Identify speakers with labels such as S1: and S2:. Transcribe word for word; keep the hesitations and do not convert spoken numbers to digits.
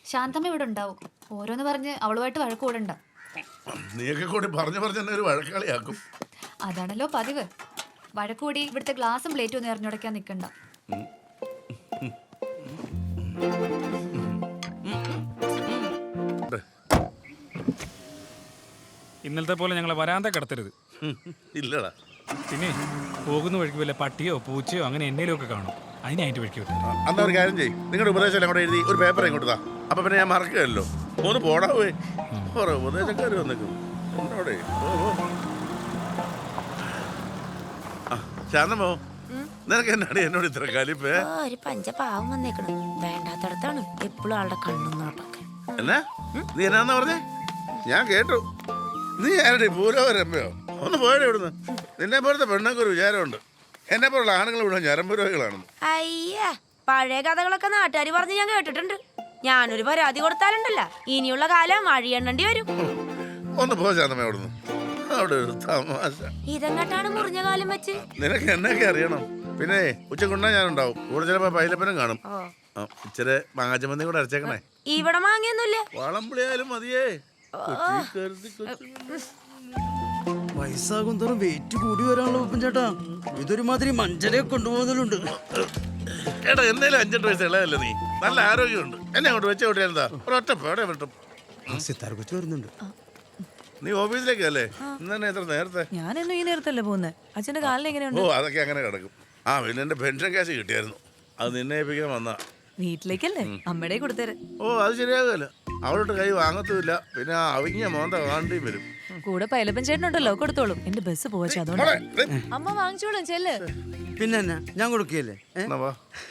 S1: ശാന്തമ്മ ഇവിടെ ഉണ്ടാവും. ഓരോന്ന് പറഞ്ഞ് അവളുമായിട്ട് വഴക്ക് കൂടണ്ട.
S2: നീയൊക്കെ കൂടി പറഞ്ഞു പറഞ്ഞ എന്നെ ഒരു വഴക്കാളിയാക്കും.
S1: അതാണല്ലോ പതിവ്. വഴക്കൂടി ഇവിടുത്തെ ഗ്ലാസും പ്ലേറ്റും ഒന്നും എറിഞ്ഞുടയ്ക്കാൻ നിൽക്കണ്ട.
S3: ഇന്നലത്തെ പോലെ ഞങ്ങളെ വരാന്ത കിടത്തരുത്.
S2: ഇല്ലടാ.
S3: പിന്നെ പോകുന്ന വഴിക്ക് വല്ല പട്ടിയോ പൂച്ചയോ അങ്ങനെ എന്നേലും ഒക്കെ കാണും. അതിനായിട്ട് വഴിക്ക് വിട്ടു.
S2: അന്ന് ഒരു കാര്യം ചെയ്യും, നിങ്ങളുടെ ഉപദേശം എല്ലാം കൂടെ എഴുതി ഒരു പേപ്പർ ഇങ്ങോട്ട് താ. അപ്പൊ പിന്നെ ഞാൻ മറക്കുകയല്ലോ. ഒന്ന് പോടാവേ. ഓരോ ഉപദേശക്കാർ വന്നേക്കും എന്നോടെ. ശാന്തമോ, നിനക്ക് എന്നാടി എന്നോട് ഇത്ര കലിപ്പേ?
S4: ഒരു പഞ്ചപാവം വന്നേക്കണു. വേണ്ടാത്തടത്താണ് എപ്പോഴും ആളുടെ കണ്ണും നോട്ടൊക്കെ.
S2: എന്നാ നീ എന്നാന്ന് പറഞ്ഞേ? ഞാൻ കേട്ടു. നീ ആരുടെ പൂലോരമ്പയോ? ഒന്ന് പോയടെ ഇവിടുന്ന്. നിന്നെ പോലത്തെ പെണ്ണൊക്കെ ഒരു വിചാരമുണ്ട് എന്നെ പോലുള്ള ആണുങ്ങൾ ഇവിടെ ഞരമ്പുരോഗികളാണെന്ന്.
S4: അയ്യ, പഴയ കഥകളൊക്കെ നാട്ടുകാർ പറഞ്ഞ് ഞാൻ കേട്ടിട്ടുണ്ട്. ഞാനൊരു പരാതി കൊടുത്താലുണ്ടല്ല ഇനിയുള്ള കാലം വഴിയെണ്ണേണ്ടി വരും.
S2: ഒന്ന് പോ ശാന്തമേ അവിടുന്ന്. അവിടെ ഒരു തമാശ.
S4: ഇതെങ്ങട്ടാണ് മുറിഞ്ഞ കാലം വെച്ച്?
S2: നിനക്ക് എന്നൊക്കെ അറിയണം. പിന്നെ ഉച്ചക്കുണ്ണ ഞാനുണ്ടാവും. കൂടെ ചിലപ്പോ പൈലപ്പനും കാണും. ഇച്ചിരി മാങ്ങാച്ചമന്തി കൂടെ അരച്ചേക്കണേ.
S4: ഇവിടെ മാങ്ങിയൊന്നുമില്ല.
S2: വളംപുളിയായാലും മതിയേ.
S5: വയസ്സാകും തോറും വെയിറ്റ് കൂടി വരാനുള്ള ഉപ്പൻ ചേട്ടാ. ഇതൊരു മാതിരി മഞ്ചലെ കൊണ്ടുപോകുന്നുണ്ട്.
S2: എടാ എന്തേലും അഞ്ചെട്ട് വയസ്സ് ഇളയല്ലേ നീ? നല്ല ആരോഗ്യമുണ്ട്. എന്നെ അങ്ങോട്ട് വെച്ച കൂട്ടിയാ എന്താ ഒരൊറ്റ പേടെ വിട്ടും.
S5: സിത്താർ കൊച്ചു വരുന്നുണ്ട്.
S2: നീ ഓഫീസിലേക്കല്ലേ ഇന്നെ എത്ര നേരത്തെ?
S6: ഞാനെന്നും ഈ നേരത്തല്ലേ പോകുന്നത്. അച്ഛന്റെ കാലിൽ എങ്ങനെയുണ്ട്?
S2: ഓ അതൊക്കെ അങ്ങനെ കിടക്കും. ആ പിന്നെ എന്റെ പെൻഷൻ ക്യാഷ് കിട്ടിയായിരുന്നു. അത് നിന്നെ ഏൽപ്പിക്കാൻ വന്നാ.
S6: വീട്ടിലേക്കല്ലേ? അമ്മയുടെ കൊടുത്തേരെ.
S2: ഓ അത് ശരിയാകുമല്ലോ. അവളോട്ട് കൈ വാങ്ങത്തുമില്ല. പിന്നെ ആ അവിഞ്ഞ മോന്ത വാണ്ടിയും വരും.
S6: കൂടെ പൈലപ്പൻ ചേട്ടനുണ്ടല്ലോ, കൊടുത്തോളും. എന്റെ ബസ് പോവച്ച അതുകൊണ്ട്. അമ്മ വാങ്ങിച്ചോളും ചെല്ല്.
S5: പിന്നെ എന്നാ ഞാൻ കൊടുക്കുകയല്ലേ?
S2: എന്നാ വാ.